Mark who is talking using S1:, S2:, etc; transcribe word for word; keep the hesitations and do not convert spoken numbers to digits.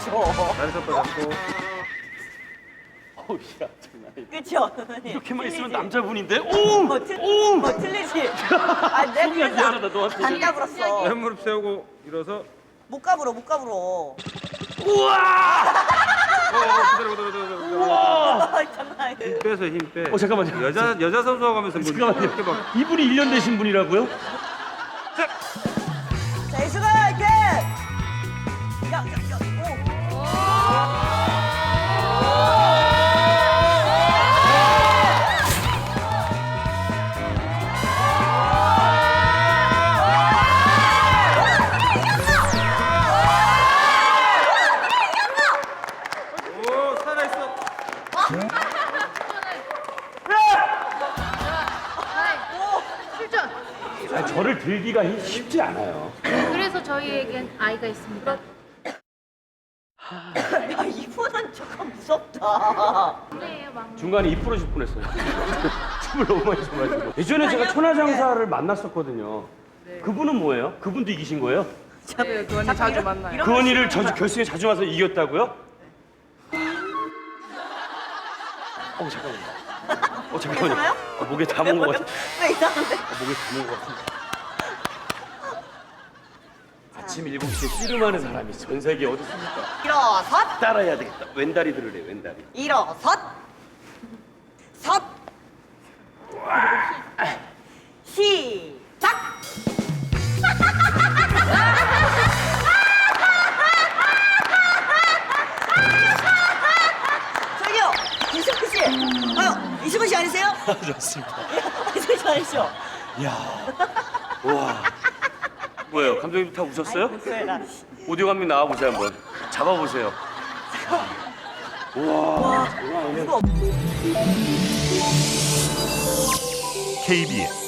S1: 줘.
S2: 다리 섞어 잡고.
S3: 어우, 야, 장난 아니다.
S1: 그쵸, 선생님?
S3: 이렇게만 있으면
S1: 틀리지?
S3: 남자분인데? 오!
S1: 뭐, 틀,
S3: 오!
S1: 뭐 틀리지? 아, 내가
S3: 속이야,
S1: 그래서
S3: 미안하다, 너한테.
S1: 안 까불었어.
S2: 왼 무릎 세우고 일어서.
S1: 못 까불어, 못 까불어.
S3: 우와!
S2: 어, 그대로 그대로 그대로 그대로.
S1: 아, 장난 아니야.
S2: 힘 빼서 힘 빼.
S3: 어, 잠깐만요.
S2: 여자 여자 선수하고 하면서 뭐
S3: 잠깐만요.
S2: 이렇게 막.
S3: 이분이 일 년 되신 분이라고요?
S1: 자, 이수가 화이팅! 야, 야, 야, 오.
S2: 오 살아 있어.
S4: 출전.
S3: 아니, 저를 들기가 쉽지 않아요.
S4: 그래서 저희에겐 아이가 있습니다.
S1: 야, 이분은 조금 무섭다.
S4: 막내예요, 막내.
S3: 중간에 이 부러질 뻔했어요. 춤을 너무 많이 춰가지고. 예전에 제가 천하장사를 만났었거든요. 그분은 뭐예요? 그분도 이기신 거예요?
S5: 네, 그 언니 자주 만나요.
S3: 그 언니를 저 결승에 자주 와서 이겼다고요? 어 잠깐만요. 어 잠깐만요.
S1: 괜찮아요?
S3: 어, 목에 담은 것 같아.
S1: 왜 이상한데?
S3: 어, 목에 담은 것 같아. 아침 일곱 시에 씨름하는 사람이 전 세계에 어디 있습니까?
S1: 일어섰!
S3: 따라해야 되겠다. 왼다리 들으래, 왼다리.
S1: 일어섰! 섰! 시작! 저기요! 이승우 씨! 아유, 이승우 씨 아니세요?
S3: 좋습니다.
S1: 이승우 씨 아니시죠?
S3: 이야. 와. 뭐예요? 감독님 다 웃었어요?
S1: 목소리라.
S3: 오디오 감독 나와보세요, 한번. 잡아보세요. 우와. 장난 아니네.
S1: 이거
S6: 케이비에스